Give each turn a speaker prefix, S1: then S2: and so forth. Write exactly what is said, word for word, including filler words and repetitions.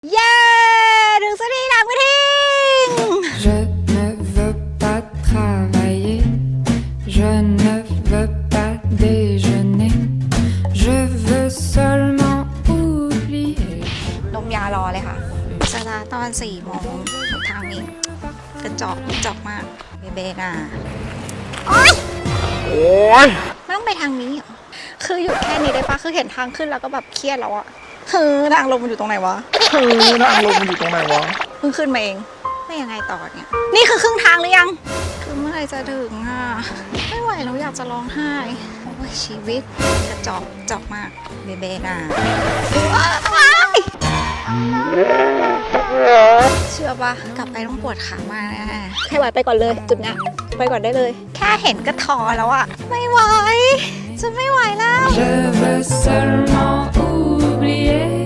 S1: เย้ถึงสถานีกระทิง
S2: Je ne veux pas travailler, je ne veux pas déjeuner, je veux seulement oublier.
S1: นมยารอเลยค่ะสตาร์ทตอนสี่โมงทางนี้กระจอกจอกมากเบเบน่าโอ๊ยโอ๊ยไม่ต้องไปทางนี้เหรอคือหยุดแค่นี้ได้ปะคือเห็นทางขึ้นแล้วก็แบบเครียดแล้วอะคือทางลงมันอยู่ตรงไหนวะ
S3: คือทางลงมันอยู่ตรงไหนวะ
S1: เพิ่งขึ้นมาเองไม่ยังไงต่อเนี่ยนี่คือครึ่งทางหรือยังคือเมื่อไหร่จะถึงอ่ะไม่ไหวแล้วอยากจะร้องไห้โอ้ยชีวิตกระจอกจอกมากเบเบน่าว้ายเชื่อปะกลับไปต้องปวดขามากแน่ให้ไหวไปก่อนเลยจุดเนี้ยไปก่อนได้เลย แค่เห็นก็ท้อแล้วอะไม่ไหวจะไม่ไหวแล้ว
S2: Je veux seulement oublier.